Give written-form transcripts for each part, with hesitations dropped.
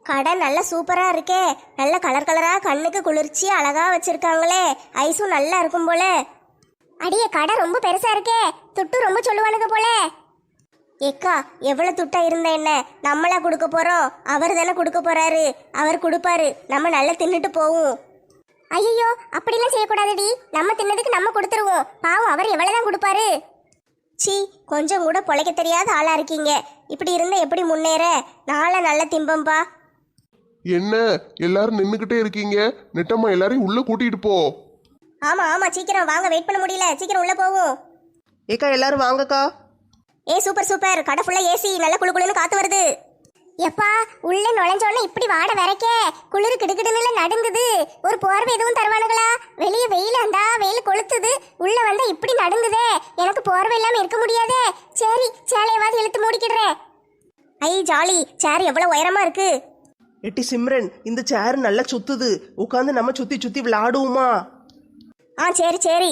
கடை நல்ல சூப்பரா இருக்கே. நல்ல கலர் கலரா கண்ணுக்கு குளிர்ச்சி அழகா வச்சிருக்காங்களே. ஐஸும் நல்லா இருக்கும் போல. அடியே கடை ரொம்ப பெருசா இருக்கே. துட்டு ரொம்ப சொல்லுவானுங்க போல. ஏக்கா எவ்வளவு துட்டா இருந்த என்ன, நம்மளா கொடுக்க போறோம்? அவர் தானே கொடுக்க போறாரு. அவர் கொடுப்பாரு, நம்ம நல்லா தின்னுட்டு போவோம். ஐயோ அப்படிலாம் செய்யக்கூடாதுடி. நம்ம தின்னதுக்கு நம்ம கொடுத்துருவோம். பாவம் அவர் எவ்வளவுதான் கொடுப்பாரு. சி, கொஞ்சம் கூட பொழைக்க தெரியாத ஆளா இருக்கீங்க. இப்படி இருந்தா எப்படி முன்னேற? நாளை நல்ல திம்பம்பா. என்ன எல்லாரும் நின்னுக்கிட்டே இருக்கீங்க? நெட்டம்மா எல்லாரையும் உள்ள கூட்டிட்டு போ. ஆமா ஆமா சீக்கிரம் வாங்க, வெயிட் பண்ண முடியல. சீக்கிரம் உள்ள போவோம். ஏக்கா எல்லாரும் வாங்கக்கா. ஏ சூப்பர் சூப்பர், கடை ஃபுல்லா ஏசி, நல்ல குளு குளுன்னு காத்து வருது. எப்பா உள்ள நுழைஞ்சோடனே இப்படி வாட வரைக்கே குளிர் கிடுகிடுன்னு நடுங்குது. ஒரு போர்வை எதுவும் தருவானுங்களா? வெளியே வெயில் அந்த வெயில் கொளுத்துது, உள்ள வந்தா இப்படி நடுங்குதே. எனக்கு போர்வை இல்லாம இருக்க முடியாதே. சரி சேலையவாது இழுத்து மூடிக்கிடுறேன். ஐ ஜாலி, சேர் எவ்வளவு உயரமா இருக்கு. எட்டி சிம்ரன், இந்த சேர் நல்லா சுத்துது. உட்காந்து நம்ம சுத்தி சுத்தி விளையாடுவோமா? சரி சரி,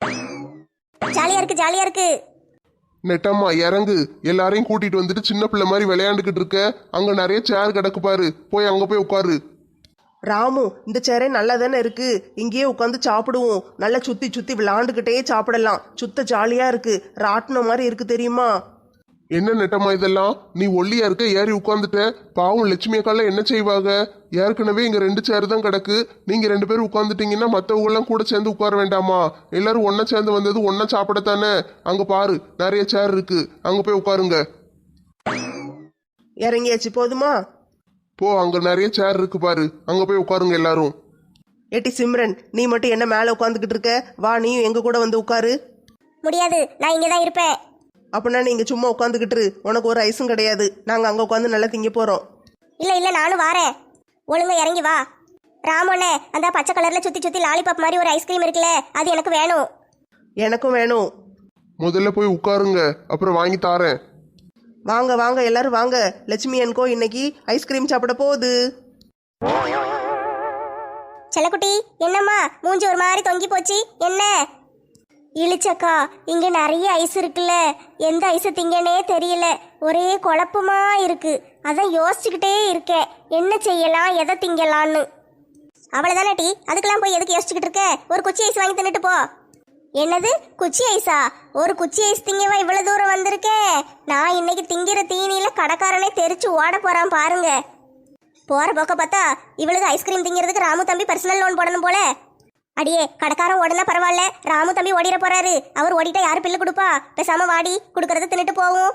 ஜாலியா இருக்கு ஜாலியா இருக்கு. நெட்டம்மா இறங்கு. எல்லாரையும் கூட்டிட்டு வந்துட்டு சின்ன பிள்ளை மாதிரி விளையாண்டுக்கிட்டு இருக்க. அங்க நிறைய சேர் கிடக்கு பாரு, போய் அங்க போய் உட்காரு. ராமு, இந்த சேரே நல்லா தானே இருக்கு. இங்கேயே உட்காந்து சாப்பிடுவோம். நல்லா சுத்தி சுத்தி விளையாண்டுக்கிட்டே சாப்பிடலாம். சுத்த ஜாலியா இருக்கு. ராட்டினம் மாதிரி இருக்கு தெரியுமா? என்ன நெட்டம்மா இதெல்லாம்? நீ ஒல்லியா இருக்க, ஏறி உட்காந்துட்ட. பாவம் லட்சுமி அக்காலாம் என்ன செய்வாங்க? ஏற்கனவே இங்க 2 சேர் தான் கிடக்கு. நீங்க 2 பேரும் உட்காந்துட்டீங்கன்னா மற்றவங்க எல்லாம் கூட சேர்ந்து உட்கார வேண்டாமா? எல்லாரும் ஒன்னா சேர்ந்து வந்தது ஒன்னா சாப்பிடத்தானே. அங்க பாரு நிறைய சேர் இருக்கு, அங்க போய் உட்காருங்க. இறங்கியாச்சு போதுமா? போ, அங்க நிறைய சேர் இருக்கு பாரு, அங்க போய் உட்காருங்க எல்லாரும். ஏட்டி சிம்ரன், நீ மட்டும் என்ன மேலே உட்காந்துக்கிட்டு இருக்க? வா, நீயும் எங்க கூட வந்து உட்காரு. முடியாது, நான் இங்கதான் இருப்பேன். அப்படின்னா நீங்க சும்மா உட்காந்துக்கிட்டு, உனக்கு ஒரு ஐஸும் கிடையாது. நாங்க அங்க உட்காந்து நல்லா திங்க போறோம். இல்ல இல்ல நானும் வாரேன். ஒழுங்கா இறங்கி வா. ராமண்ணே, அந்த பச்சை கலர்ல சுத்தி சுத்தி லாலிபாப் மாதிரி ஒரு ஐஸ்கிரீம் இருக்குல்ல, அது எனக்கு வேணும். எனக்கும் வேணும். முதல்ல போய் உட்காருங்க, அப்புறம் வாங்கி தாரேன். வாங்க வாங்க எல்லாரும் வாங்க. லட்சுமி அன்கோ இன்னைக்கு ஐஸ்கிரீம் சாப்பிட போகுது. செல்லக்குட்டி, என்னம்மா மூஞ்சி ஒரு மாதிரி தொங்கி போச்சு? என்ன இழிச்சக்கா, இங்க நிறைய ஐஸ் இருக்குல்ல, எந்த ஐஸ் திங்கனே தெரியல. ஒரே குழப்பமா இருக்கு. அதான் யோசிச்சுக்கிட்டே இருக்கேன், என்ன செய்யலாம், எதை திங்கலான்னு. அவ்வளவுதானே டி, அதுக்கெல்லாம் போய் எதுக்கு யோசிச்சுக்கிட்டு இருக்க? ஒரு குச்சி ஐஸ் வாங்கி தின்னுட்டு போ. என்னது குச்சி ஐஸா? ஒரு குச்சி ஐஸ் திங்கவா இவ்வளவு தூரம் வந்திருக்கேன்? நான் இன்னைக்கு திங்கிற தீனியில கடைக்காரனே தெரிச்சு ஓட போறான் பாருங்க. போற போக்க பார்த்தா இவளுக்கு ஐஸ்கிரீம் திங்கிறதுக்கு ராமு தம்பி பர்சனல் லோன் போடணும் போல. அடியே கடைக்காரன் ஓடுனா பரவாயில்ல, ராமு தம்பி ஓடிட போறாரு. அவர் ஓடிட்டா யாரு பில்லு கொடுப்பா? பேசாம வாடி, கொடுக்கறத தின்னுட்டு போவோம்.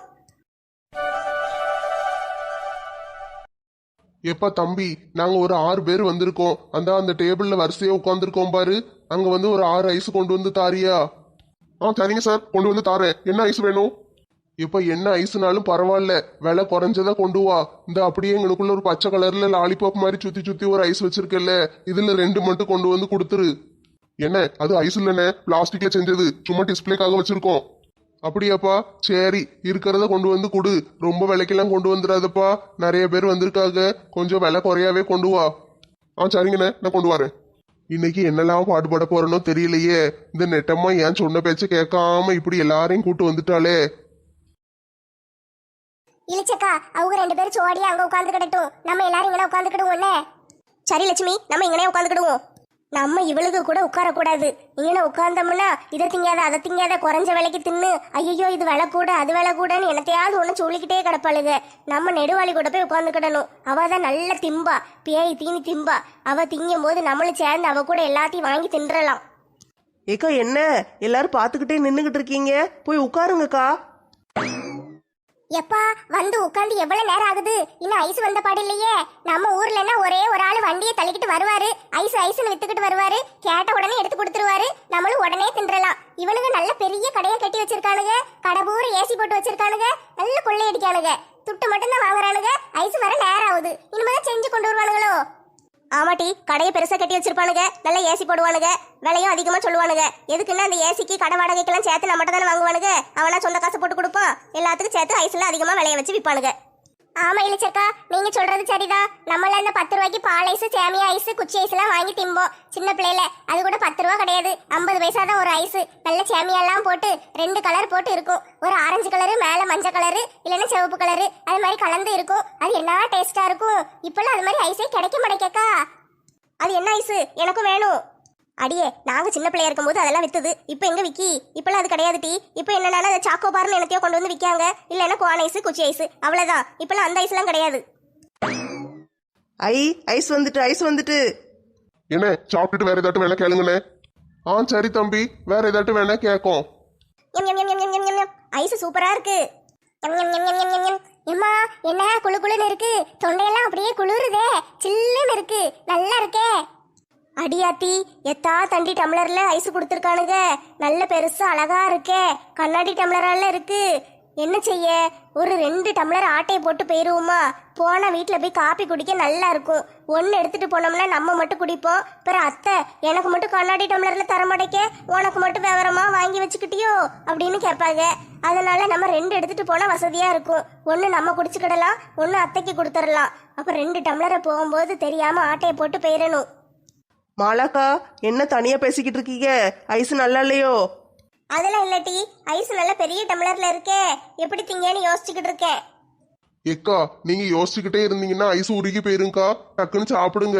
எப்பா தம்பி, நாங்க ஒரு 6 பேர் வந்திருக்கோம். அந்த டேபிள்ல வரிசையா உட்காந்துருக்கோம் பாரு, அங்க வந்து ஒரு 6 ஐஸ் கொண்டு வந்து தாரியா? சரிங்க சார், கொண்டு வந்து தாரேன். என்ன ஐஸ் வேணும்? இப்ப என்ன ஐஸ்னாலும் பரவாயில்ல, விலை குறைஞ்சதா கொண்டு வா. இந்த அப்படியே எங்களுக்குள்ள ஒரு பச்சை கலர்ல லாலிபாப் மாதிரி சுத்தி சுத்தி ஒரு ஐஸ் வச்சிருக்கல, இதுல 2 மட்டும் கொண்டு வந்து கொடுத்துரு. என்ன அது ஐஸ் இல்லைன்னு பிளாஸ்டிக்ல செஞ்சது, சும்மா டிஸ்பிளேக்காக வச்சிருக்கோம். அப்படியாப்பா, சரி இருக்கிறத கொண்டு வந்து கொடு. ரொம்ப விலைக்கெல்லாம் கொண்டு வந்துடாதப்பா, நிறைய பேர் வந்திருக்காங்க, கொஞ்சம் விலை குறையாவே கொண்டு வா. சரிங்கண்ணே, நான் கொண்டு வரேன். இன்னைக்கு என்னெல்லாம் பாடுபட போறேனோ தெரியலையே. இந்த நெட்டம்மா ஏன் சொன்ன பேச்ச கேட்காம இப்படி எல்லாரையும் கூட்டு வந்துட்டாளே. இழிச்சக்கா, அவங்க 2 பேரும் சோடியா அங்க உட்கார்ந்து கிடட்டும், நம்ம எல்லாரும் இங்கே உட்காந்துக்கிடுவோம்ல. சரி லட்சுமி, நம்ம இங்கனே உட்காந்துக்கிடுவோம். நம்ம இவளுக்கு கூட உட்காரக்கூடாது. இங்கே உட்கார்ந்தோம்னா இதை திங்காத அதை திங்காத, குறைஞ்ச விலைக்கு தின்னு, ஐயோ இது விலை கூட அது விலை கூடன்னு என்னத்தையாவது ஒன்று சொல்லிக்கிட்டே கிடப்பாளுங்க. நம்ம நெடுவாளி கூட போய் உட்காந்துக்கிடணும். அவ தான் நல்ல திம்பா, பேய் தீனி திம்பா. அவ திங்கும் போது நம்மளும் சேர்ந்து அவ கூட எல்லாத்தையும் வாங்கி தின்றலாம். ஏக்கா என்ன எல்லாரும் பார்த்துக்கிட்டே நின்றுகிட்டு இருக்கீங்க? போய் உட்காருங்கக்கா. எப்பா வந்து உட்காந்து எவ்வளவு நேரம் ஆகுது? இன்னும் ஐஸ் வந்த பாடு இல்லையே. நம்ம ஊர்லன்னா ஒரே ஒரு ஆள் வண்டியை தள்ளிக்கிட்டு வருவாரு, ஐஸ் ஐஸ்ன்னு வித்துக்கிட்டு வருவாரு, கேட்ட உடனே எடுத்து கொடுத்துருவாரு, நம்மளும் உடனே தின்றலாம். இவனுங்க நல்ல பெரிய கடையை கட்டி வச்சிருக்கானுங்க, கடை பூரா ஏசி போட்டு வச்சிருக்கானுங்க, நல்ல கொள்ளை அடிக்கானுங்க. துட்டு மட்டும் தான் வாங்குறானுங்க, ஐஸ் வர நேரம் ஆகுது. இனிமேதான் செஞ்சு கொண்டு வருவானுங்களோ? ஆமாட்டி, கடையை பெருசா கட்டி வச்சிருப்பானுங்க, நல்ல ஏசி போடுவானுங்க, விலையும் அதிகமா சொல்லுவானுங்க. எதுக்குன்னா அந்த ஏசிக்கு கடை வாடகைக்கெல்லாம் சேர்த்து நம்மகிட்ட தானே வாங்குவானுங்க. அவனா சொந்த காசு போட்டு கொடுப்பான், எல்லாத்துக்கும் சேர்த்து ஐஸ்ல அதிகமா விலைய வச்சு விற்பானுங்க. ஆமா இளிச்சக்கா, நீங்க சொல்றது சரிதான். நம்மள அந்த 10 ரூபாய்க்கு பால் ஐஸ், சேமியா ஐஸ், குச்சி ஐஸ் எல்லாம் வாங்கி திம்போம் சின்ன பிள்ளையில. அது கூட 10 ரூபா கிடையாது, 50 பைசா தான் ஒரு ஐஸ். நல்ல சேமியா எல்லாம் போட்டு 2 கலர் போட்டு இருக்கும். ஒரு ஆரஞ்சு கலரு, மேல மஞ்சள் கலரு, இல்லைன்னா சிவப்பு கலரு, அது மாதிரி கலந்து இருக்கும். அது என்ன டேஸ்டா இருக்கும். இப்பெல்லாம் அது மாதிரி ஐஸே கிடைக்க மாட்டேக்கா. அது என்ன ஐஸ்? எனக்கும் வேணும். அடியே, நாங்க சின்ன பிள்ளையா இருக்கும்போது அதெல்லாம் வித்துது. இப்போ எங்க விக்கி? இப்பெல்லாம் அது கிடையாது டி. இப்போ என்னன்னா அந்த சாக்கோ பார்னு என்னத்தையோ கொண்டு வந்து விற்காங்க. இல்லைன்னா கோன் ஐஸ், குச்சி ஐஸ், அவ்வளவுதான். இப்பெல்லாம் அந்த ஐஸ்லாம் கிடையாது. ஐஸ் வந்துட்டு, ஐஸ் வந்துட்டு. என்ன சாப்பிட்டுட்டு வேற ஏதாட்டும் வேணா கேளுங்கண்ணே. சரி தம்பி, வேற ஏதாட்டும் வேணா கேட்கும். ஐஸ் சூப்பரா இருக்கு. எம்மா, என்ன குளு குளுன்னு இருக்கு. தொண்டையெல்லாம் அப்படியே குளிருதே, சில்லுன்னு இருக்கு. நல்லா இருக்கே. அடியாத்தி, எத்தா தண்டி டம்ளர்ல ஐஸ் கொடுத்துருக்கானுங்க. நல்ல பெருசா அழகா இருக்கே. கண்ணாடி டம்ளரால இருக்கு. என்ன செய்ய, ஒரு 2 டம்ளர் ஆட்டையை போட்டு போயிருவோமா? போனா வீட்டுல போய் காப்பி குடிக்க நல்லா இருக்கும். ஒன்னு எடுத்துட்டு போனோம்னா நம்ம மட்டும் குடிப்போம். பிறகு அத்தை, எனக்கு மட்டும் கண்ணாடி டம்ளர்ல தரமாட்டேக்க, உனக்கு மட்டும் விவரமா வாங்கி வச்சுக்கிட்டியோ அப்படின்னு கேட்பாங்க. அதனால நம்ம 2 எடுத்துட்டு போனா வசதியா இருக்கும். ஒன்னு நம்ம குடிச்சுக்கிடலாம், ஒன்னு அத்தைக்கு கொடுத்துடலாம். அப்ப 2 டம்ளரை போகும்போது தெரியாம ஆட்டையை போட்டு போயிடணும். மாலாக்கா, என்ன தனியா பேசிக்கிட்டு இருக்கீங்க? ஐஸ் நல்லா இல்லையோ? அதெல்லாம் இல்லட்டி, ஐஸ் நல்ல பெரிய டம்ளர்ல இருக்கே, எப்படி திங்கன்னு யோசிச்சுக்கிட்டு இருக்கேன். எக்கா, நீங்க யோசிச்சுக்கிட்டே இருந்தீங்கன்னா ஐஸ் உருகி போயிருங்கக்கா. டக்குன்னு சாப்பிடுங்க.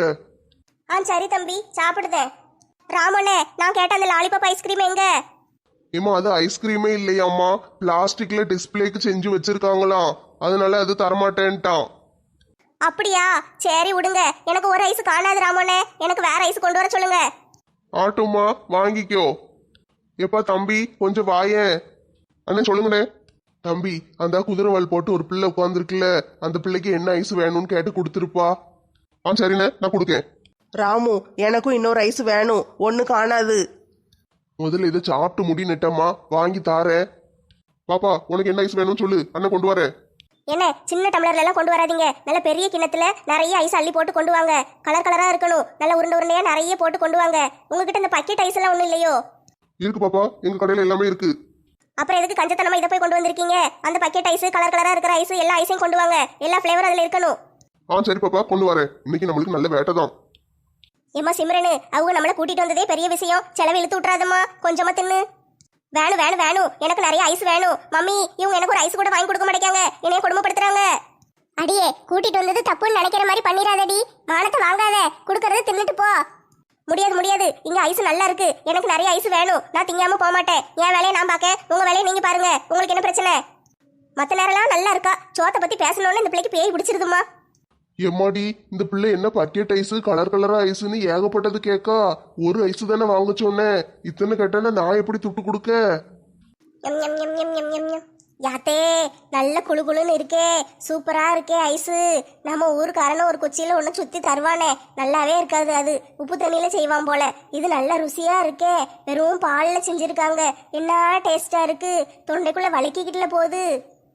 சரி தம்பி, சாப்பிடுதேன். ராமனே, நான் கேட்ட அந்த லாலிபாப் ஐஸ்கிரீம் எங்க? ஏமா, அது ஐஸ்கிரீமே இல்லையாம்மா, பிளாஸ்டிக்ல டிஸ்பிளேக்கு செஞ்சு வச்சிருக்காங்களாம். அதனால அது தரமாட்டேன்ட்டான். அப்படியா? சரி விடுங்க. எனக்கு ஒரு ஐஸ் காணாது ராமனே, எனக்கு வேற ஐஸ் கொண்டு வர சொல்லுங்க. ஆட்டுமா, வாங்கிக்கோ. எப்பா தம்பி, கொஞ்சம் வாயேன். அண்ணே சொல்லுங்கண்ணே. தம்பி, அந்த குதிரைவால் போட்டு ஒரு பிள்ளை உட்காந்துருக்குல்ல, அந்த பிள்ளைக்கு என்ன ஐஸ் வேணும்னு கேட்டு கொடுத்துருப்பா. சரிண்ணே, நான் கொடுக்கேன். ராமு, எனக்கும் இன்னொரு ஐஸ் வேணும். ஒன்னு காணாது. முதல்ல இதை சாப்பிட்டு முடி நெட்டம்மா, வாங்கி தாரேன். பாப்பா, உனக்கு என்ன ஐஸ் வேணும்னு சொல்லு, அண்ணன் கொண்டு வரேன். என்ன சின்ன டம்ளர்ல எல்லாம் கொண்டு வராதீங்க. நல்ல பெரிய கிண்ணத்துல நிறைய ஐஸ் அள்ளி போட்டு கொண்டு வாங்க. கலர் கலரா இருக்கணும். நல்ல உருண்டை உருண்டையா நிறைய போட்டு கொண்டு வாங்க. உங்ககிட்ட இந்த பக்கெட் ஐஸ் எல்லாம் ஒண்ணும் இல்லையோ? இருக்கு பாப்பா, எங்க கடையில எல்லாமே இருக்கு. அப்புறம் எதுக்கு கஞ்சத்தனமா இதை போய் கொண்டு வந்திருக்கீங்க? அந்த பக்கெட் ஐஸ், கலர் கலரா இருக்கிற ஐஸ், எல்லா ஐஸையும் கொண்டு வாங்க. எல்லா ஃபிளேவர் அதுல இருக்கணும். சரி பாப்பா, கொண்டு வரேன். இன்னைக்கு நம்மளுக்கு நல்ல வேட்டை தான். ஏமா சிம்ரனு, அவங்க நம்மளை கூட்டிட்டு வந்ததே பெரிய விஷயம். செலவு இழுத்து விட்டுறாதம்மா, கொஞ்சமா தின்னு. வேணும் வேணும் வேணும், எனக்கு நிறைய ஐஸ் வேணும். மம்மி, இவங்க எனக்கு ஒரு ஐஸ் கூட வாங்கி கொடுக்க மாட்டேங்காங்க. என்னைய கொடுமைப்படுத்துறாங்க. அடியே, கூட்டிட்டு வந்தது தப்புன்னு நினைக்கிற மாதிரி பண்ணிடாதடி. மானத்தை வாங்காத, கொடுக்கறத தின்னுட்டு போ. முடியாது முடியாது, இங்க ஐஸ் நல்லா இருக்கு. எனக்கு நிறைய ஐஸ் வேணும். நான் திங்காம போக மாட்டேன். என் வேலையை நான் பார்க்க, உங்க வேலையை நீங்க பாருங்க. உங்களுக்கு என்ன பிரச்சனை? மத்த நேரம்லாம் நல்லா இருக்கா. சோத்தை பத்தி பேசணும்னு இந்த பிள்ளைக்கு பேய் பிடிச்சிருதுமா. எம்மாடி, இந்த பிள்ளை என்ன பக்கெட் ஐஸ், கலர் கலரா ஐஸ்ன்னு ஏகப்பட்டது கேக்கா. ஒரு ஐஸ் தானே வாங்க சொன்னேன். இத்தனை கேட்டா நான் எப்படி துட்டு கொடுக்க? எம் எம் எம் எம் எம் எம் எம். யாத்தே, நல்ல குளு குளுன்னு இருக்கே, சூப்பரா இருக்கே ஐஸு. நம்ம ஊருக்காரன ஒரு குச்சியில ஒன்று சுத்தி தருவானே, நல்லாவே இருக்காது. அது உப்பு தண்ணியில செய்வான் போல. இது நல்ல ருசியா இருக்கே, வெறும் பால்ல செஞ்சிருக்காங்க. என்ன டேஸ்டா இருக்கு, தொண்டைக்குள்ள வலிக்கிக்கிட்டுல போகுது.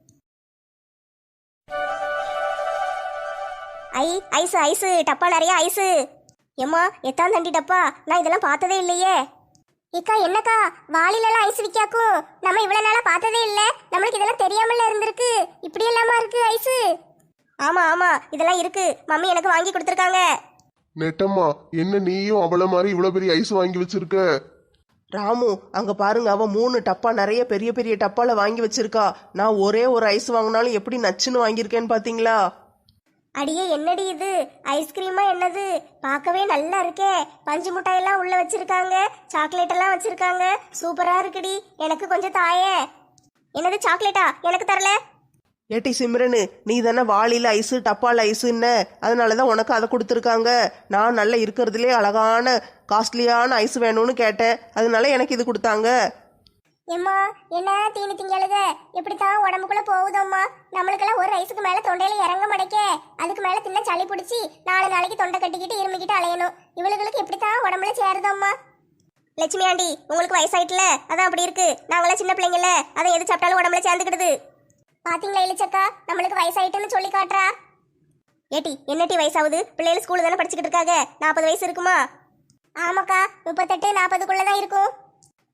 ஐஸ் ஐஸ், டப்பா நிறைய ஐஸு. ஏம்மா, எத்தான் தண்டி டப்பா? நான் இதெல்லாம் பார்த்ததே இல்லையே. இக்கா, என்னக்கா வாளிலெல்லாம் ஐஸ் விற்காக்கும்? நம்ம இவ்வளவு நாளா பார்த்ததே இல்லை. நம்மளுக்கு இதெல்லாம் தெரியாமல இருந்திருக்கு. இப்படி எல்லாமா இருக்கு ஐஸு? ஆமா ஆமா, இதெல்லாம் இருக்கு. மம்மி எனக்கு வாங்கி கொடுத்துருக்காங்க. நெட்டம்மா, என்ன நீயும் அவள மாதிரி இவ்வளவு பெரிய ஐஸ் வாங்கி வச்சிருக்க? ராமு, அங்க பாருங்க, அவ 3 டப்பா நிறைய பெரிய பெரிய டப்பால வாங்கி வச்சிருக்கா. நான் ஒரே ஒரு ஐஸ் வாங்கினாலும் எப்படி நச்சுன்னு வாங்கியிருக்கேன்னு பாத்தீங்களா? அடியே, என்னடி இது? ஐஸ்கிரீமா என்னது? பார்க்கவே நல்லா இருக்கே. பஞ்சு மிட்டாயெல்லாம் உள்ள வச்சிருக்காங்க, சாக்லேட் எல்லாம் வச்சிருக்காங்க. சூப்பரா இருக்குடி. எனக்கு கொஞ்சம் தாயே. என்னது சாக்லேட்டா? எனக்கு தரல. ஏட்டி சிம்ரனு, நீ தானே வாளில ஐஸு டப்பால ஐஸுன்ன, அதனாலதான் உனக்கு அதை கொடுத்துருக்காங்க. நான் நல்லா இருக்கிறதுலே அழகான காஸ்ட்லியான ஐஸ் வேணும்னு கேட்டேன், அதனால எனக்கு இது கொடுத்தாங்க. எம்மா, என்ன தீனி திங்கழுக? எப்படித்தான் உடம்புக்குள்ள போகுதோம்மா. நம்மளுக்கெல்லாம் ஒரு ஐஸுக்கு மேல தொண்டையில இறங்க மாட்டேக்கே. அதுக்கு மேல தின்ன சளி பிடிச்சி 4 நாளைக்கு தொண்டை கட்டிக்கிட்டு இருமிக்கிட்டு அலையணும். இவளுகளுக்கு எப்படித்தான் உடம்புல சேருதோம்மா. லட்சுமி ஆண்டி, உங்களுக்கு வயசாயிட்டுல, அதான் அப்படி இருக்கு. நாங்களாம் சின்ன பிள்ளைங்கல்ல, அதை எது சாப்பிட்டாலும் உடம்புல சேர்ந்துக்கிடுது. பாத்தீங்களா இளிச்சக்கா, நம்மளுக்கு வயசாயிட்டுன்னு சொல்லி காட்டுறா. ஏட்டி, என்னட்டி வயசாகுது? பிள்ளைகள் ஸ்கூல் தானே படிச்சுக்கிட்டு இருக்காங்க. 40 வயசு இருக்குமா? ஆமாக்கா, 38 40க்குள்ளதான் இருக்கும்.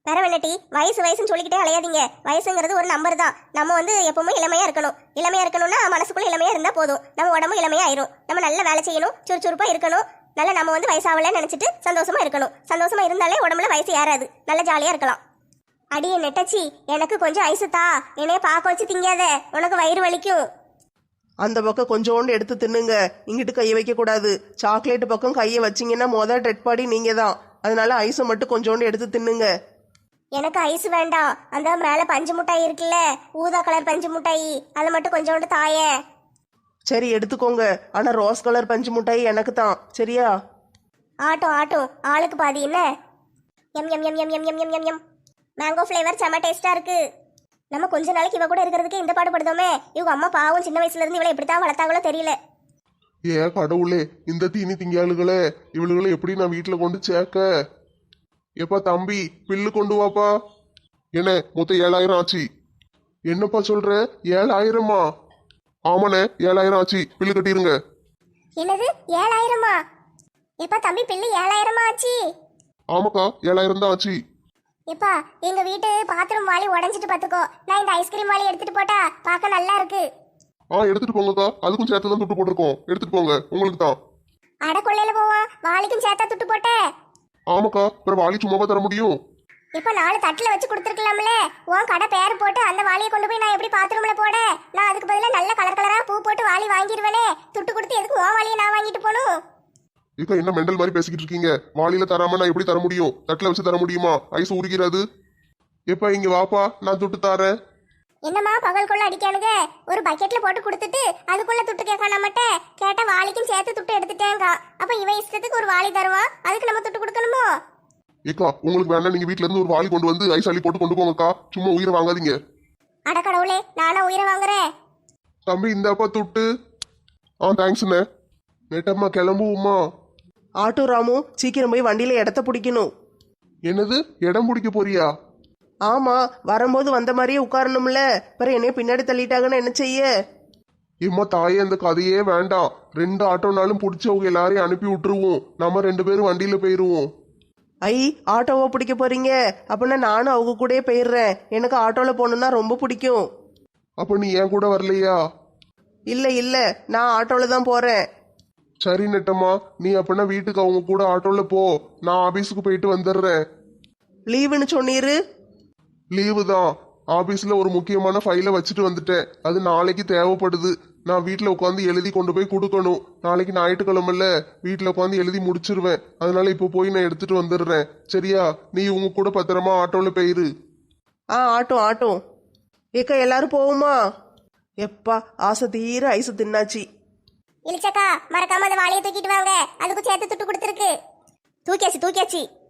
வேற வெள்ளட்டி வயசுன்னு சொல்லிக்கிட்டே அலையாதீங்க. வயசுங்கிறது ஒரு நம்பர் தான். நம்ம வந்து எப்பவுமே இளமையா இருக்கணும். இளமையா இருக்கணும்னா மனசுக்குள்ள இளமையா இருந்தா போதும். நம்ம உடம்பு இளமையா ஆயிரும். நம்ம நல்ல வேலை செய்யணும், சுறுசுறுப்பா இருக்கணும். நல்லா நம்ம வந்து வயசாகலன்னு நினைச்சிட்டு சந்தோஷமா இருக்கணும். சந்தோஷமா இருந்தாலே உடம்புல வயசு ஏறாது. நல்ல ஜாலியா இருக்கலாம். அடியே நெட்டச்சி, எனக்கு கொஞ்சம் ஐசு தா. என்னைய பார்க்க வச்சு திங்காத, உனக்கு வயிறு வலிக்கும். அந்த பக்கம் கொஞ்சோண்டு எடுத்து தின்னுங்க. இங்கிட்டு கையை வைக்க கூடாது. சாக்லேட் பக்கம் கையை வச்சிங்கன்னா டெட் பாடி நீங்க தான். அதனால ஐஸை மட்டும் கொஞ்சோண்டு எடுத்து தின்னுங்க. எனக்கு ஐஸ் வேண்டாம். அந்த மேல பஞ்சு மிட்டாய் இருக்குல்ல, ஊதா கலர் பஞ்சு மிட்டாய், அதை மட்டும் கொஞ்சோண்டு தாயே. சரி எடுத்துக்கோங்க. ஆனா ரோஸ் கலர் பஞ்சு மிட்டாய் எனக்கு தான், சரியா? ஆட்டும் ஆளுக்கு பாதி என்ன? எம் எம் எம் எம் எம் எம் எம் எம் எம். மேங்கோ ஃப்ளேவர் செம டேஸ்டா இருக்கு. நம்ம கொஞ்ச நாளைக்கு இவ கூட இருக்கிறதுக்கு இந்த பாடுபடுதோமே. இவங்க அம்மா பாவம், சின்ன வயசுல இருந்து இவளை எப்படித்தான் வளர்த்தாங்களோ தெரியல. ஏ கடவுளே, இந்த தீனி திங்காளுகளே, இவளுகளை எப்படி நான் வீட்டுல கொண்டு சேர்க்க? எப்பா தம்பி, பில்லு கொண்டு வாப்பா. என்ன மொத்தம் 7000 ஆச்சு. என்னப்பா சொல்ற? 7000மா? ஆமாண்ணே, 7000 ஆச்சு. பில்லு கட்டிருங்க. என்னது 7000மா? எப்பா தம்பி, பில்லு 7000மா ஆச்சு? ஆமாக்கா, 7000 தான் ஆச்சு. எப்பா, எங்க வீட்டு பாத்ரூம் வாளி உடைஞ்சிட்டு பாத்துக்கோ. நான் இந்த ஐஸ்கிரீம் வாளி எடுத்துட்டு போட்டா பார்க்க நல்லா இருக்கு. எடுத்துட்டு போங்கக்கா. அதுக்கும் சேர்த்து தான் துட்டு போட்டிருக்கோம். எடுத்துட்டு போங்க, உங்களுக்கு தான். அட கொள்ளையில போவான், வாளிக்கும் சேர்த்தா துட்டு போட்ட? ஆமாக்கா, அப்புறம் வாளி சும்மாவா தர முடியும்? இப்ப 4 தட்டுல வச்சு கொடுத்துருக்கலாம்ல. உன் கடை பேர் போட்டு அந்த வாளியை கொண்டு போய் நான் எப்படி பாத்ரூம்ல போட? நான் அதுக்கு பதிலா நல்ல கலர் கலரா பூ போட்டு வாளி வாங்கிடுவேனே. துட்டு கொடுத்து எதுக்கு உன் வாளியை நான் வாங்கிட்டு போகணும்? இக்கா என்ன மெண்டல் மாதிரி பேசிக்கிட்டு இருக்கீங்க? வாளியில தராம நான் எப்படி தர முடியும்? தட்டுல வச்சு தர முடியுமா? ஐஸ் உருகிறது. எப்ப இங்க வாப்பா, நான் துட்டு தாரேன். என்னம்மா பகல்குள்ள அடிக்கானுங்க? ஒரு பக்கெட்ல போட்டு கொடுத்துட்டு அதுக்குள்ள துட்டு கேட்க நம்மட்ட கேட்டா வாளிக்கும் சேர்த்து துட்டு எடுத்துட்டேங்க. அப்ப இவன் இஷ்டத்துக்கு ஒரு வாளி தருவான், அதுக்கு நம்ம துட்டு கொடுக்கணுமோ? ஏக்கா, உங்களுக்கு வேணா நீங்க வீட்ல இருந்து ஒரு வாளி கொண்டு வந்து ஐஸ் அள்ளி போட்டு கொண்டு போங்கக்கா. சும்மா உயிரை வாங்காதீங்க. அட கடவுளே, நானா உயிரை வாங்குறேன்? தம்பி இந்தாப்பா துட்டு. தேங்க்ஸ்ண்ணே. நேட்டம்மா கிளம்புவோமா? ஆட்டோ ராமு, சீக்கிரம் போய் வண்டியில இடத்த பிடிக்கணும். என்னது, இடம் பிடிக்க போறியா? ஆமா, வரும்போது வந்த மாதிரியே உட்காரணும்ல. பிறகு என்னைய பின்னாடி தள்ளிட்டாங்கன்னு என்ன செய்ய? இம்மா தாயே, அந்த கதையே வேண்டாம். 2 ஆட்டோனாலும் பிடிச்சவங்க எல்லாரையும் அனுப்பி விட்டுருவோம். நம்ம 2 பேரும் வண்டியில போயிருவோம். ஐ, ஆட்டோவா பிடிக்க போறீங்க? அப்படின்னா நானும் அவங்க கூடயே போயிடுறேன். எனக்கு ஆட்டோல போகணுன்னா ரொம்ப பிடிக்கும். அப்ப நீ என் கூட வரலையா? இல்ல, நான் ஆட்டோல தான் போறேன். சரி நெட்டம்மா, நீ அப்படின்னா வீட்டுக்கு அவங்க கூட ஆட்டோல போ. நான் ஆபீஸுக்கு போயிட்டு வந்துடுறேன். லீவுன்னு சொன்னீரு? லீவு தான். ஆபீஸ்ல ஒரு முக்கியமான ஃபைலை வச்சுட்டு வந்துட்டேன். அது நாளைக்கு தேவைப்படுது. நான் வீட்டில் உட்காந்து எழுதி கொண்டு போய் கொடுக்கணும். நாளைக்கு ஞாயிற்றுக்கிழமைல வீட்டில் உட்காந்து எழுதி முடிச்சிருவேன். அதனால இப்போ போய் நான் எடுத்துட்டு வந்துடுறேன். சரியா? நீ உங்க கூட பத்திரமா ஆட்டோல போயிரு. ஆட்டோ. ஏக்கா, எல்லாரும் போவோமா? எப்பா, ஆசை தீர ஐஸ் தின்னாச்சு. இளிச்சக்கா, மறக்காம அந்த வாளியை தூக்கிட்டு வாங்க. அதுக்கு சேர்த்து துட்டு கொடுத்துருக்கு. தூக்கியாச்சு.